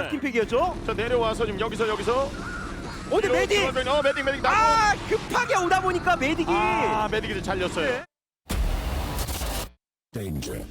팀팩이었죠? 자 내려와서 지금 여기서 근데 메딕! 메딕 나고 급하게 오다 보니까 메딕이 메딕이 잘렸어요. 네. Danger.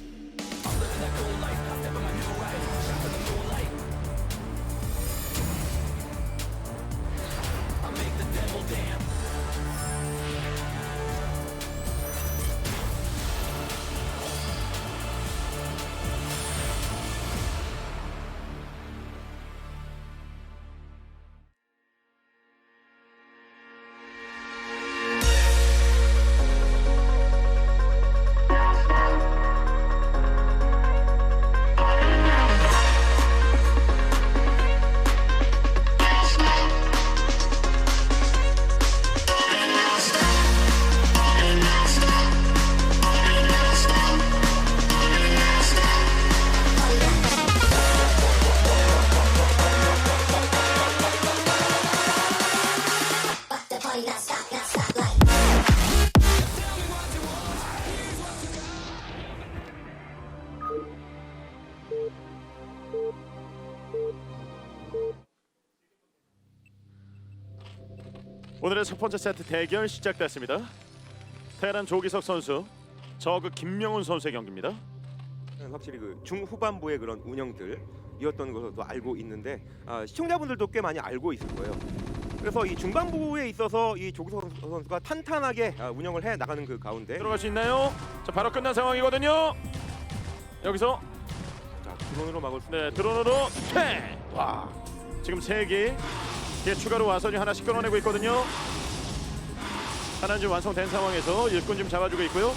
오늘의 첫 번째 세트 대결 시작됐습니다. 테란 조기석 선수, 저그 김명훈 선수의 경기입니다. 확실히 그 중후반부의 그런 운영들이었던 것도 알고 있는데 시청자분들도 꽤 많이 알고 있을 거예요. 그래서 이 중반부에 있어서 이 조기석 선수가 탄탄하게 운영을 해 나가는 그 가운데 들어갈 수 있나요? 자 바로 끝난 상황이거든요. 여기서 드론으로 막을 수 드론으로 퇴! 와 지금 3개 추가로 와서 지금 하나씩 끊어내고 있거든요. 하나는 지금 완성된 상황에서 일꾼 지금 잡아주고 있고요.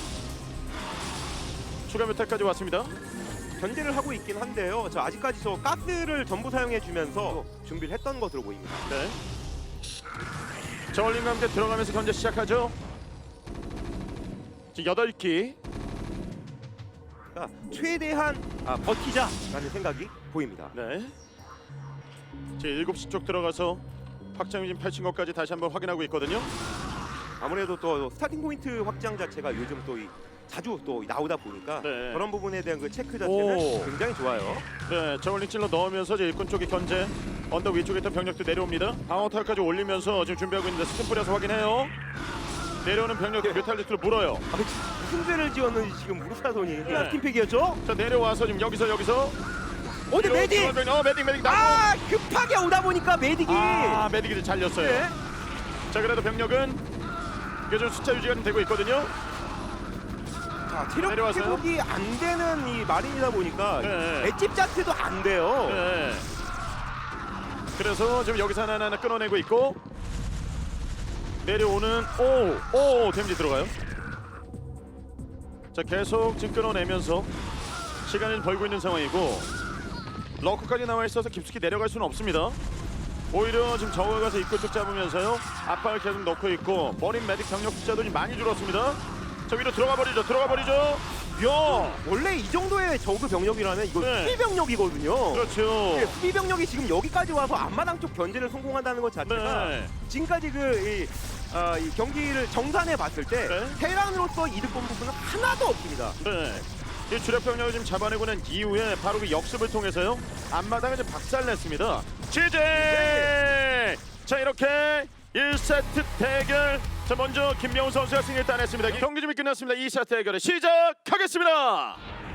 추가 뮤탈까지 왔습니다. 견제를 하고 있긴 한데요. 아직까지 가스를 전부 사용해주면서 준비를 했던 것으로 보입니다. 네. 저울림과 함께 들어가면서 견제 시작하죠. 지금 8기. 그러니까 최대한 버티자라는 생각이 보입니다. 네. 지금 7시 쪽 들어가서 확장이 지금 펼친 것까지 다시 한번 확인하고 있거든요. 아무래도 또 스타팅 포인트 확장 자체가 요즘 또 자주 또 나오다 보니까 네. 그런 부분에 대한 그 체크 자체는 오. 굉장히 좋아요. 네, 저울링 찔러 넣으면서 이제 일꾼 쪽에 견제, 언덕 위쪽에 있던 병력도 내려옵니다. 방어타까지 올리면서 지금 준비하고 있는데 스팀 뿌려서 확인해요. 내려오는 병력들 뮤탈리스트를 물어요. 무슨 죄를 지었는지 지금 무르사돈이 네. 팀팩이었죠? 자 내려와서 지금 여기서 근데 메딕! 메딕 나고 급하게 오다 보니까 메딕이 메딕이 잘렸어요. 네. 자 그래도 병력은 요즘 숫자 유지가 좀 되고 있거든요. 체력 내려와서요? 회복이 안 되는 이 마린이다 보니까 네. 맷집 자체도 안 돼요. 네. 그래서 지금 여기서 하나 끊어내고 있고 내려오는 데미지 들어가요. 자 계속 지금 끊어내면서 시간을 벌고 있는 상황이고 러커까지 나와 있어서 깊숙이 내려갈 수는 없습니다. 오히려 지금 저거 가서 입구 쪽 잡으면서요 압박을 계속 넣고 있고 머린 메딕 병력 숫자도 좀 많이 줄었습니다. 저 위로 들어가 버리죠. 야 원래 이 정도의 저그 병력이라면 이거 네. 수비 병력이거든요. 그렇죠. 네, 수비 병력이 지금 여기까지 와서 앞마당 쪽 견제를 성공한다는 것 자체가 네. 지금까지 이 경기를 정산해 봤을 때 네. 테란으로서 이득 본 부분은 하나도 없습니다. 네. 이 주력 병력을 지금 잡아내고 난 이후에 바로 그 역습을 통해서요 앞마당을 좀 박살냈습니다. 취재! 자 이렇게 1세트 대결 자 먼저 김명훈 선수가 승리를 따냈습니다. 경기 준비 끝났습니다. 2세트 대결을 시작하겠습니다.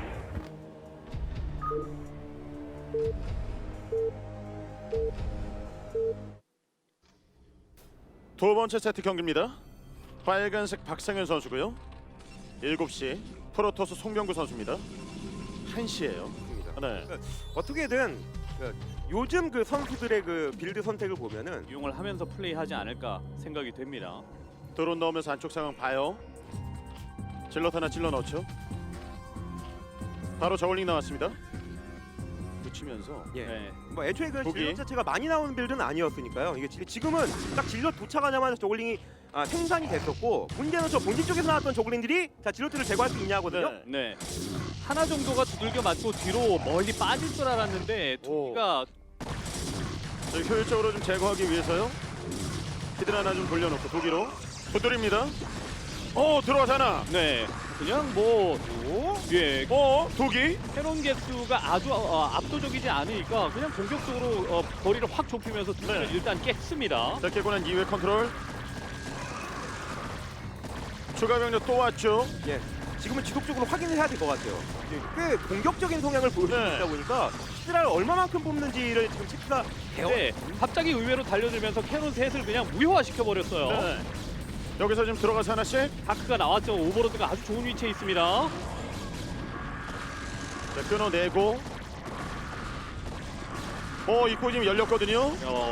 두 번째 세트 경기입니다. 빨간색 박상현 선수고요. 7시 프로토스 송병구 선수입니다. 1시예요. 네. 어떻게든 요즘 그 선수들의 그 빌드 선택을 보면은 이용을 하면서 플레이하지 않을까 생각이 됩니다. 드론 넣으면서 안쪽 상황 봐요. 질럿 하나 찔러 넣죠. 바로 저울링 나왔습니다. 붙이면서 예. 네. 뭐 애초에 그 보기. 질럿 자체가 많이 나오는 빌드는 아니었으니까요. 이게 지금은 딱 질럿 도착하자마자 저글링이 생산이 됐었고 문제는 저 본진 쪽에서 나왔던 저글링들이 질럿들을 제거할 수 있냐거든요. 네. 네. 하나 정도가 두들겨 맞고 뒤로 멀리 빠질 줄 알았는데 두기가 저희 효율적으로 좀 제거하기 위해서요. 히들 하나 좀 돌려놓고 도기로 두드립니다. 들어가잖아. 네. 그냥 뭐 예, 독이. 캐논 개수가 아주 압도적이지 않으니까 그냥 공격적으로 거리를 확 좁히면서 두기를 네. 일단 깼습니다. 자, 깨고 난 이후에 컨트롤. 추가 병력 또 왔죠. 예. 지금은 지속적으로 확인을 해야 될 것 같아요. 꽤 공격적인 성향을 보여주고 네. 있다 보니까 히드라를 얼마만큼 뽑는지를 지금 체크가 돼요. 네, 갑자기 의외로 달려들면서 캐논 셋을 그냥 무효화시켜 버렸어요. 네. 여기서 지금 들어가서 하나씩. 다크가 나왔죠. 오버로드가 아주 좋은 위치에 있습니다. 자, 끊어내고. 입구 지금 열렸거든요.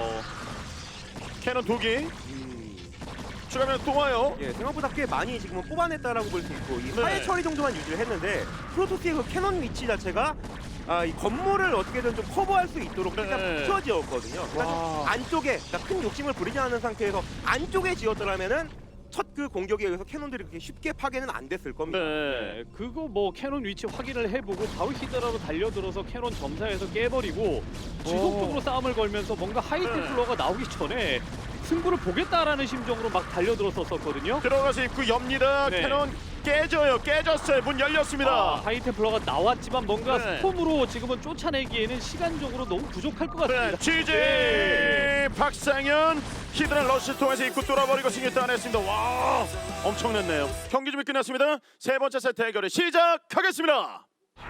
캐논 독이. 추가 병력 또 와요. 예, 생각보다 꽤 많이 지금은 뽑아냈다라고 볼 수 있고 이 네. 화해 처리 정도만 유지를 했는데 프로토스의 그 캐논 위치 자체가 이 건물을 어떻게든 좀 커버할 수 있도록 네. 그냥 붙여지었거든요. 그러니까 좀 안쪽에 그러니까 큰 욕심을 부리지 않은 상태에서 안쪽에 지었더라면은 첫 그 공격에 의해서 캐논들이 그렇게 쉽게 파괴는 안 됐을 겁니다. 네. 그거 뭐 캐논 위치 확인을 해보고 바로 히드라로 달려들어서 캐논 점사에서 깨버리고 지속적으로 싸움을 걸면서 뭔가 하이템플러가 나오기 전에 승부를 보겠다라는 심정으로 막 달려들었었거든요. 들어가서 입구 엽니다. 네. 캐논 깨져요. 깨졌어요. 문 열렸습니다. 하이템플러가 나왔지만 뭔가 네. 스톰으로 지금은 쫓아내기에는 시간적으로 너무 부족할 것 네. 같습니다. 취재 박상현 히드라 러시 통해서 입구 뚫어버리고 승리 따냈습니다. 와, 엄청났네요. 경기 준비 끝났습니다. 세 번째 세트 대결을 시작하겠습니다.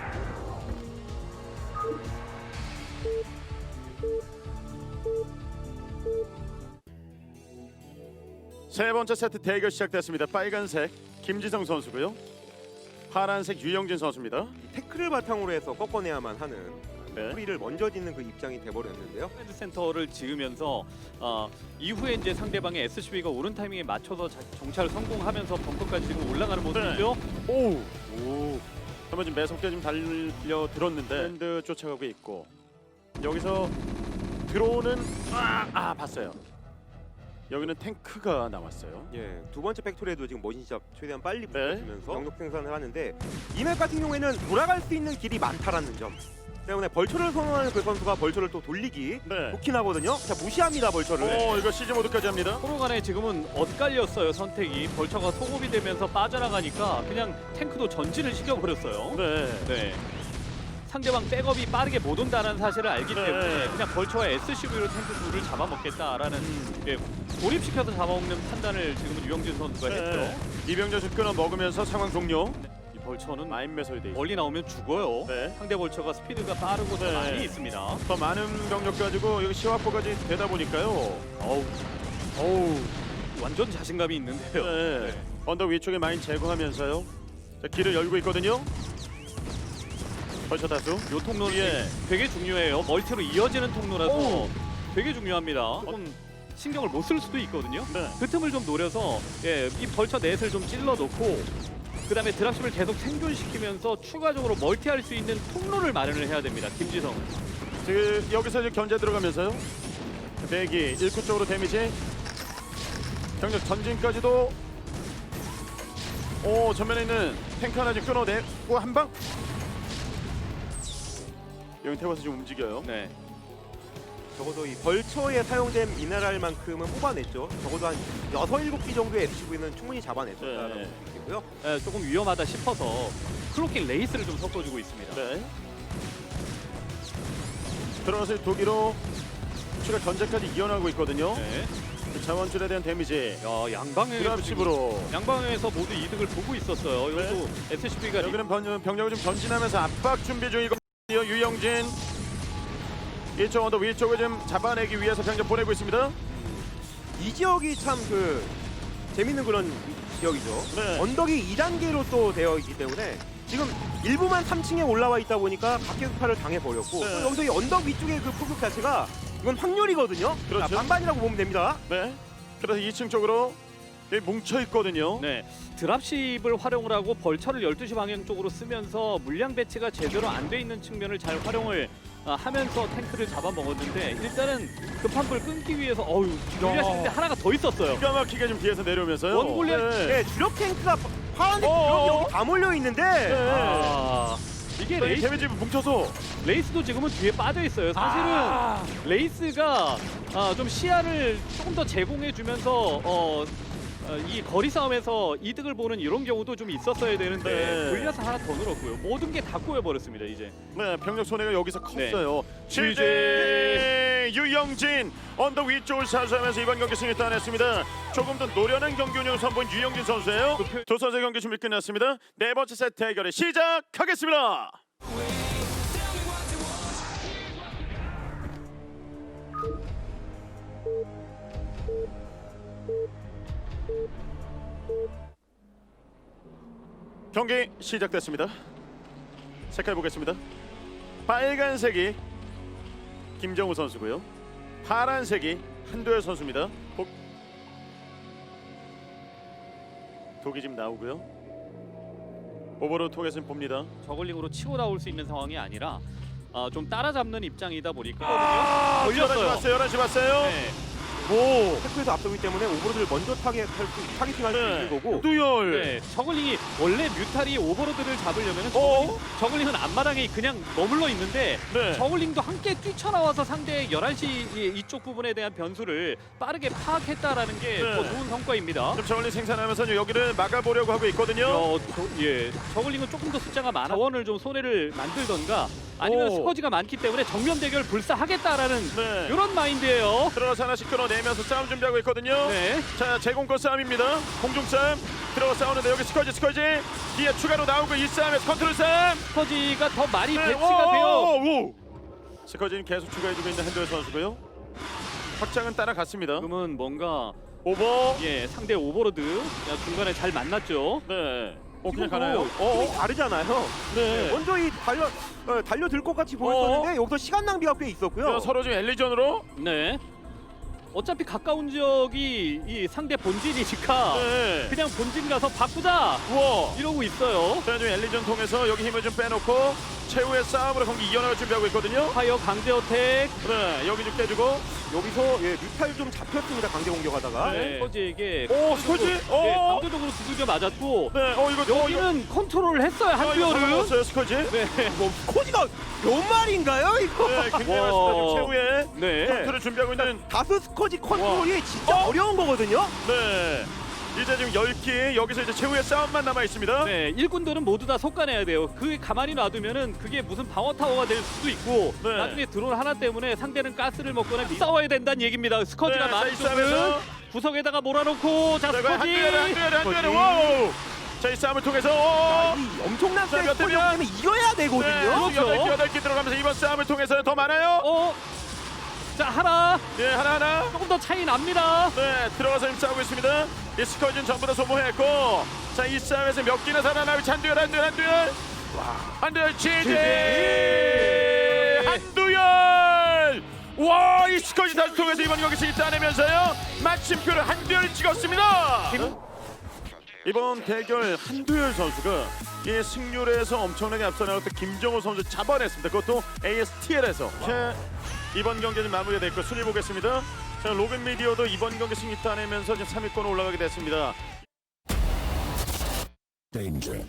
세 번째 세트 대결 시작됐습니다. 빨간색 김지성 선수고요. 파란색 유영진 선수입니다. 태클을 바탕으로 해서 꺾어내야만 하는 네. 뿌리를 먼저 짓는 그 입장이 돼버렸는데요. 커맨드 센터를 지으면서 이후에 이제 상대방의 SCV가 오른 타이밍에 맞춰서 정찰을 성공하면서 벙커까지 지금 올라가는 모습이죠. 오. 한번 지금 매섭게 좀 달려 들었는데 밴드 쫓아가고 있고 여기서 들어오는 봤어요. 여기는 탱크가 나왔어요. 예, 두 번째 팩토리에도 지금 머신샵 최대한 빨리 네. 붙여주면서 병력 생산을 하는데 이 맵 같은 경우에는 돌아갈 수 있는 길이 많다라는 점 때문에 벌처를 선호하는 그 선수가 벌처를 또 돌리기 네. 좋긴 하거든요. 자, 무시합니다 벌처를. 이거 시즈 모드까지 합니다. 서로 간에 지금은 엇갈렸어요. 선택이. 벌처가 소급이 되면서 빠져나가니까 그냥 탱크도 전진을 시켜버렸어요. 네. 상대방 백업이 빠르게 못 온다는 사실을 알기 네. 때문에 그냥 벌처와 SCV로 탱크 둘을 잡아먹겠다라는 고립시켜서 잡아먹는 판단을 지금은 유영진 선수가 했죠. 이병렬 끊어 먹으면서 상황 종료. 이 벌처는 마인 매설이 돼 있어요. 멀리 나오면 죽어요. 네. 상대 벌처가 스피드가 빠르고 더 네. 많이 있습니다. 더 많은 병력 가지고 여기 시화포까지 되다 보니까요. 어우, 완전 자신감이 있는데요. 네. 언덕 위쪽에 마인 제거하면서요. 자, 길을 열고 있거든요. 벌써 다수. 요 통로는 예. 되게 중요해요. 멀티로 이어지는 통로라서 되게 중요합니다. 조금 신경을 못 쓸 수도 있거든요. 네. 그 틈을 좀 노려서 이 벌처 넷을 좀 찔러 놓고 그다음에 드랍십을 계속 생존시키면서 추가적으로 멀티할 수 있는 통로를 마련을 해야 됩니다. 김지성. 지금 여기서 이제 견제 들어가면서요. 대기 1구 쪽으로 데미지. 병력 전진까지도. 전면에 있는 탱크 하나 지금 끊어내고 한 방. 여기 태워서 지금 움직여요. 네. 적어도 이 벌처에 사용된 미네랄만큼은 뽑아냈죠. 적어도 한 6, 7기 정도의 SCV는 충분히 잡아냈었다라고 네. 볼 수 있고요. 조금 위험하다 싶어서 클로킹 레이스를 좀 섞어주고 있습니다. 네. 들어가서 독일로 추가 견제까지 이어나가고 있거든요. 네. 그 자원줄에 대한 데미지. 양방에 드랍십으로. 양방에서 모두 이득을 보고 있었어요. 여기도 SCV가 여기는 병력을 좀 전진하면서 압박 준비 중이고 유영진 이쪽 언덕 위쪽을 좀 잡아내기 위해서 병력 보내고 있습니다. 이 지역이 참 그 재밌는 그런 지역이죠. 네. 언덕이 2단계로 또 되어 있기 때문에 지금 일부만 3층에 올라와 있다 보니까 각계수파를 당해버렸고 네. 또 여기서 이 언덕 위쪽의 그 폭격 자체가 이건 확률이거든요. 그렇죠. 자, 반반이라고 보면 됩니다. 네. 그래서 2층 쪽으로 뭉쳐 있거든요. 네, 드랍십을 활용을 하고 벌처를 12시 방향 쪽으로 쓰면서 물량 배치가 제대로 안 돼 있는 측면을 잘 활용을 하면서 탱크를 잡아먹었는데 일단은 급한 불 끊기 위해서 골리앗인데 하나가 더 있었어요. 기가 막히게 좀 뒤에서 내려오면서요. 원 골리앗. 네, 주력 탱크가 파란색 주력이 여기 다 몰려 있는데 이게 데미지 뭉쳐서 레이스도 지금은 뒤에 빠져 있어요. 사실은 레이스가 좀 시야를 조금 더 제공해 주면서 이 거리 싸움에서 이득을 보는 이런 경우도 좀 있었어야 되는데 네. 골리앗을 하나 더 늘었고요. 모든 게 다 꼬여버렸습니다 이제. 네, 병력 손해가 여기서 컸어요. GG. GG 유영진 언더 위쪽을 사수하면서 이번 경기 승리 따냈습니다. 조금 더 노련한 경기 운영을 선보인 유영진 선수예요. 두 선수의 경기 준비 끝났습니다. 네 번째 세트 대결을 시작하겠습니다. 경기 시작됐습니다. 색깔 보겠습니다. 빨간색이 김정우 선수고요. 파란색이 한도열 선수입니다. 독이 지금 나오고요. 오버로드 통해서 봅니다. 저글링으로 치고 나올 수 있는 상황이 아니라 좀 따라잡는 입장이다 보니까 걸렸어요. 걸렸어요. 11시 봤어요. 11시 봤어요. 네. 오. 테크에서 앞서기 때문에 오버로드를 먼저 타겟팅할 수 있는 거고. 한두열. 네, 저글링이 원래 뮤탈이 오버로드를 잡으려면 어? 저글링은 앞마당에 그냥 머물러 있는데 네. 저글링도 함께 뛰쳐나와서 상대의 11시 이쪽 부분에 대한 변수를 빠르게 파악했다라는 게 네. 더 좋은 성과입니다. 좀 저울링 생산하면서 여기를 막아보려고 하고 있거든요. 저글링은 조금 더 숫자가 많아 자원을 좀 손해를 만들던가 아니면 오. 스커지가 많기 때문에 정면 대결 불사하겠다라는 네. 이런 마인드예요. 들어가서 하나씩 끌어내면서 싸움 준비하고 있거든요. 네. 자, 제공권 싸움입니다. 공중 싸움. 들어가 싸우는데 여기 스커지 뒤에 추가로 나오고 이 싸움에서 컨트롤 싸움. 스커지가 더 많이 네. 배치가 돼요. 오. 스커지는 계속 추가해주고 있는 한도열 선수고요. 확장은 따라갔습니다. 지금은 뭔가 오버. 상대 오버로드 중간에 잘 만났죠. 네. 그냥 지금 가나요? 힘이 다르잖아요. 네. 먼저 이 달려들 것 같이 보였었는데 여기서 시간 낭비가 꽤 있었고요. 서로 지금 엘리전으로. 네. 어차피 가까운 지역이 이 상대 본진이니까 네. 그냥 본진 가서 바꾸자 우와. 이러고 있어요. 자, 지금 엘리전 통해서 여기 힘을 좀 빼놓고 최후의 싸움으로 경기 이어나갈 준비하고 있거든요. 파이어 강제 어택. 네, 여기 좀 깨주고. 여기서 뮤탈 좀 잡혔습니다. 강제 공격하다가. 네. 스커지에게 오, 스커지? 강제적으로 두들겨 맞았고 네, 이거 여기는 컨트롤을 했어요 한두열은. 한두열은. 스커지. 네. 뭐 코지가 몇 마리인가요 이거? 네, 굉장히 와. 많습니다. 최후의 네. 컨트롤을 준비하고 있는. 다스 스커지 컨트롤이 진짜 어려운 거거든요. 네. 이제 지금 10기 여기서 이제 최후의 싸움만 남아 있습니다. 네, 일꾼들은 모두 다 속가내야 돼요. 그 가만히 놔두면은 그게 무슨 방어 타워가 될 수도 있고 네. 나중에 드론 하나 때문에 상대는 가스를 먹거나 싸워야 된다는 얘기입니다. 스커지가 네, 많은 자, 이 싸움에서. 쪽은 구석에다가 몰아놓고 자 자, 스커지. 한두열에 와우. 자, 이 싸움을 통해서 이 엄청난 자, 몇 스코어 대면? 때문에 이겨야 되거든요. 네, 그렇죠. 8기 들어가면서 이번 싸움을 통해서 더 많아요. 자 하나 네, 하나하나. 조금 더 차이 납니다. 네, 들어가서 지금 싸우고 있습니다. 이 스커지는 전부 다 소모했고, 자, 이 싸움에서 몇 개나 살아나고 한두열. 한두열 지지. 한두열. 와, 이 스커지 다시 통해서 이번 경기 승리 따내면서요 마침표를 한두열이 찍었습니다. 이번 대결 한두열 선수가 이 승률에서 엄청나게 앞서 나갔던 김정우 선수 잡아냈습니다. 그것도 ASTL에서. 자, 이번 경기는 마무리가 됐고 순위 보겠습니다. 자, 로빈 미디어도 이번 경기 승리 따내면서 지금 3위권으로 올라가게 됐습니다. Danger.